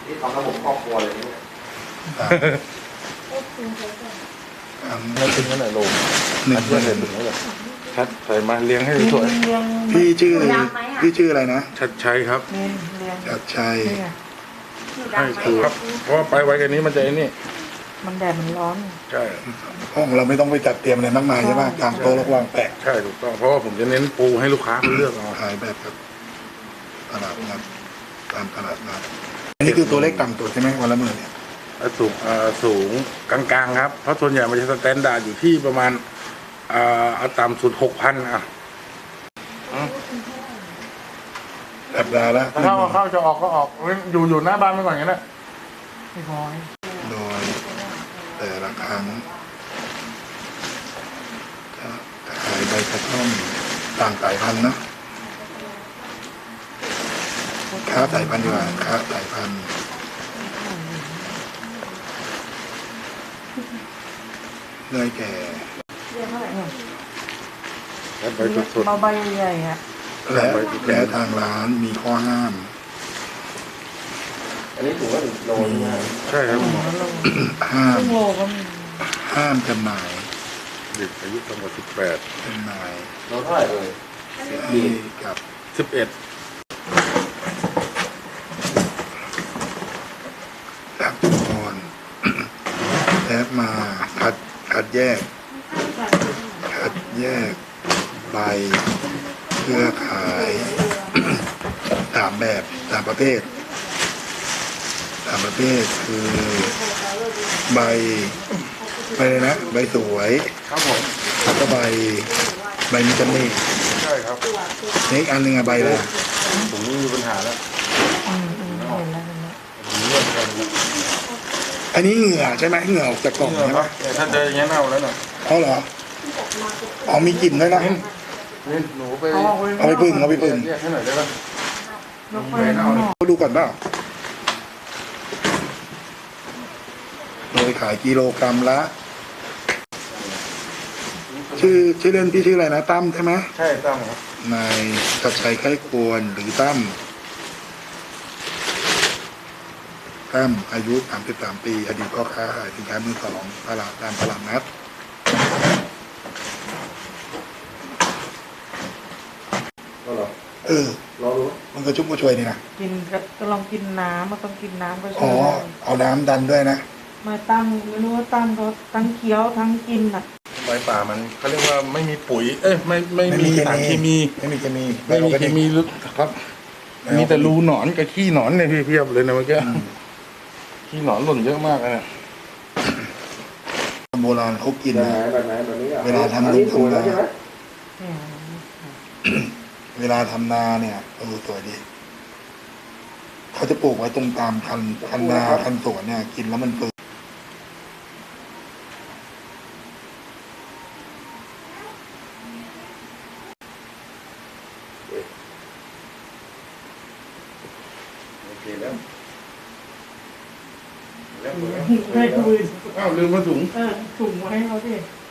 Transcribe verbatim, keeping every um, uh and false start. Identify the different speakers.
Speaker 1: นี่ทำระบบครอบครัวเลยเนี่ย
Speaker 2: ไม่ถึงนั่นแหละลงหนึ่งเพื่อนเลยถึงนั่นแหละชัดใส่มาเลี้ยงให้สวย
Speaker 3: พี่ชื่อพี่ชื่ออะไรนะ
Speaker 2: ชัดชัยครับ
Speaker 3: ชัดชัย
Speaker 2: ใช่ครับเพราะว่าไปไว้กันนี้มันจะไอ้นี่
Speaker 4: มันแดดมันร้อน
Speaker 2: ใช่
Speaker 3: ห้องเราไม่ต้องไปจัดเตรียมอะไรมากมายใช่ไหมกางโต๊ะแล้ววางแปะ
Speaker 2: ใช่ถูกต้องเพราะว่าผมจะเน้นปูให้ลูกค้าเลือกเอา
Speaker 3: ขายแบบครับตลาดนัดตามตลาดนัดอันนี้คือตัวเลขต่ำตัวใช่ไหมวันละหมื่นเนี่ย
Speaker 2: สูงสูงกลางๆครับเพราะส่วนใหญ่มันจะสแตนดาร์ดอยู่ที่ประมาณเอาต่ำสุดหกพันอ่ะ
Speaker 3: สัปดาห์ละ
Speaker 2: ถ้าเข้าจะออกก็ออกอยู่อยู่หน้าบ้านไปก่อนกันนะ
Speaker 4: ไม่พอ
Speaker 3: โดยแต่ละครั้งจะขายใบกระท่อมต่างสายพันธุ์นะค้าสายพันธุ์ดีกว่าค้าสายพันธุ์ได้แก่
Speaker 2: และใบสด
Speaker 4: ๆใบใหญ่ๆอ่ะ
Speaker 3: และและทางร้านมีข้อห้าม
Speaker 1: อันนี้ถือว่าถึงโลนี่
Speaker 2: ใช่ครับ
Speaker 3: ห้าม
Speaker 4: โลก็มี
Speaker 3: ห้ามจำหน่าย
Speaker 2: เด็กอายุต่ำกว่าสิบแปด
Speaker 3: จำหน่าย
Speaker 1: โลเท่าไหร่เลย
Speaker 3: ดีกับ
Speaker 2: สิบเอ็ด
Speaker 3: ดับตอนแทบมาคัดคัดแยกคัดแยกใบเพื่อขายสามแบบสามประเภทสามประเภทคือใบใบเลยนะใบสวย
Speaker 2: ครับผม
Speaker 3: แล้วก็ใบใบมิตรเน่
Speaker 2: ใช่ครับ
Speaker 3: นี่อันหนึ่งอะใบเลย
Speaker 2: ผมไม่มีปัญหาแล้ว
Speaker 3: อันนี้เหงื่อใช่ไหมเหงื่อออกจากกล่องใช่ไหม
Speaker 2: ถ้าเจออย่างนี้เน่าแล้วน่ะ
Speaker 3: เขาเหรออ๋อมีกลิ่นด้วยนะ
Speaker 2: นี่หนูไป
Speaker 3: เอาไปพึ่งเอาไปพึ่ง
Speaker 2: เรียกให้หน่อยได้ป่ะ
Speaker 3: เขาดูก่อนเปล่าโดยขายกิโลกรัมละชื่อชื่อเล่นพี่ชื่ออะไรนะตั้มใช่ไหม
Speaker 2: ใช่ตั้มครับ
Speaker 3: นายชัดชัยไข้ควรหรือตั้มตั้มอายุสามสิบสามปีอดีตพ่อค้าขายสินค้ามือสองตลาดตามตลาดนัดเออมันก็ชุ่มกระชวยนี่นะ
Speaker 4: กินก็ลองกินน้ำมันต้องกินน้ำก็ช่วย
Speaker 3: อ๋อเอาน้ำดันด้วยนะ
Speaker 4: มาตั้งไม่รู้ว่าตั้งเขาทั้งเคี้ยวทั้งกินอ่ะ
Speaker 2: ใบป่ามันเขาเรียกว่าไม่มีปุ๋ยเอ้ยไม่ไม่มีสารเคมี
Speaker 3: ไม่มีเคมี
Speaker 2: ไม่มีเคมีครับมีแต่รูหนอนกับขี้หนอนเนี่ยเพียบเลยนะเมื่อกี้ขี้หนอนหล่นเยอะมากเลย
Speaker 3: โบราณเขากินนะเวลาทำนุทำนาเวลาทำนาเนี่ยเออสวยดีเขาจะปลูกไว้ตรงตามคันคันนาคันสวนเนี่ยกินแล้วมันเปื่อย
Speaker 2: โอเคแล้ว
Speaker 4: ให้ดู
Speaker 2: อ้าวลืมมาถุง
Speaker 4: เออถุงไว้ให้เขาดิ